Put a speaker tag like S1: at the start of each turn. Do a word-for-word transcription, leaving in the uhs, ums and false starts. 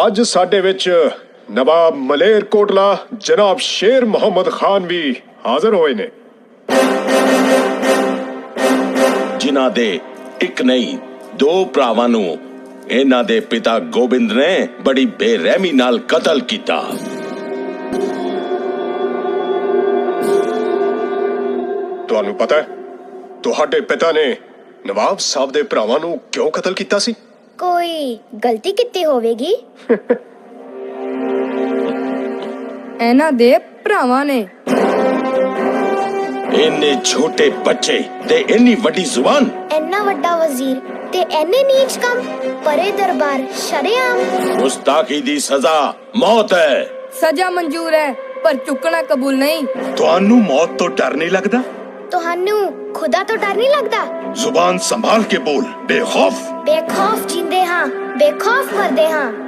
S1: ਅੱਜ ਸਾਡੇ ਵਿੱਚ ਨਵਾਬ ਮਲੇਰਕੋਟਲਾ ਜਨਾਬ ਸ਼ੇਰ ਮੁਹੰਮਦ ਖਾਨ ਵੀ ਹਾਜ਼ਰ ਹੋਏ ਨੇ,
S2: ਜਿਨ੍ਹਾਂ ਦੇ ਇੱਕ ਨਹੀਂ ਦੋ ਭਰਾਵਾਂ ਨੂੰ ਇਹਨਾਂ ਦੇ ਪਿਤਾ ਗੋਬਿੰਦ ਨੇ ਬੜੀ ਬੇਰਹਿਮੀ ਨਾਲ ਕਤਲ ਕੀਤਾ।
S1: ਤੁਹਾਨੂੰ ਪਤਾ ਹੈ ਤੁਹਾਡੇ ਪਿਤਾ ਨੇ ਨਵਾਬ ਸਾਹਿਬ ਦੇ ਭਰਾਵਾਂ ਨੂੰ ਕਿਉਂ ਕਤਲ ਕੀਤਾ ਸੀ?
S3: ਕੋਈ ਗਲਤੀ ਕੀਤੀ ਹੋਵੇਗੀ।
S4: ਇਹਨਾਂ ਦੇ ਭਰਾਵਾਂ ਨੇ।
S2: ਇੰਨੇ ਛੋਟੇ ਬੱਚੇ ਤੇ ਇੰਨੀ ਵੱਡੀ ਜ਼ੁਬਾਨ,
S3: ਇੰਨਾ ਵੱਡਾ ਵਜ਼ੀਰ ਤੇ ਇੰਨੇ ਨੀਚ ਕੰਮ, ਪਰੇ ਦਰਬਾਰ ਸ਼ਰੇਆਮ।
S2: ਗੁਸਤਾਖੀ ਦੀ ਸਜ਼ਾ ਮੌਤ ਹੈ।
S4: ਸਜ਼ਾ ਮਨਜ਼ੂਰ ਹੈ ਪਰ ਚੁੱਕਣਾ ਕਬੂਲ ਨਹੀਂ।
S5: ਤੁਹਾਨੂੰ ਮੌਤ ਤੋਂ ਡਰ ਨਹੀਂ ਲੱਗਦਾ?
S3: ਤੁਹਾਨੂੰ ਖੁਦਾ ਤੋਂ ਡਰ ਨਹੀਂ ਲੱਗਦਾ?
S5: ਜ਼ੁਬਾਨ ਸੰਭਾਲ ਕੇ ਬੋਲ, ਬੇਖੌਫ।
S3: ਬੇਖੌਫ ਜਿੰਦੇ ਹਾਂ, ਬੇਖੌਫ ਮਰਦੇ ਹਾਂ।